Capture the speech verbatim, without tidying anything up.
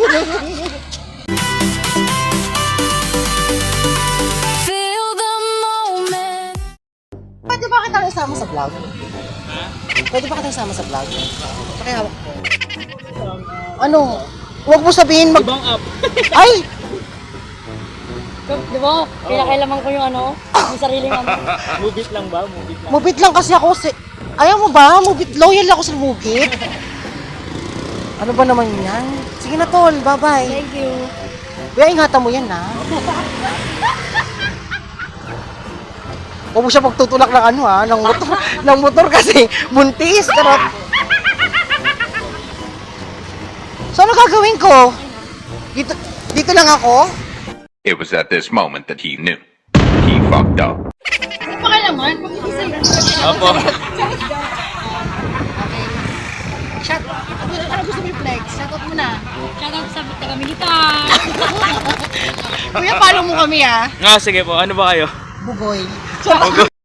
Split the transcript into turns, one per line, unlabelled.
Pwede ba kita isama sa vlog? Pwede ba kita isama sa vlog? Pakihawak ko. Ano? Huwag mo sabihin mag...
Ibang app.
Ay!
Di ba? Pinakailaman ko yung ano, yung sariling ano.
Mubit lang ba? Mubit lang.
Mubit lang kasi ako si... Ayaw mo ba? Mubit. Loyal ako sa mubit. Ano ba naman yan? Sige na tol, bye-bye.
Thank you.
Kuya, ingatan mo yan ha. Huwag mo siya magtutulak ng ano ha, ng motor, ng motor kasi buntis, karot. So ano gagawin ko? Dito, dito lang ako?
It was at this moment that he knew. He fucked up.
Pakailaman?
Opo.
Shout, ano, ano gusto mo i-flex? Shoutout mo na.
Shoutout sa taga-militar.
Kuya, follow mo kami ha.
Ah, sige po. Ano ba kayo?
Bugoy.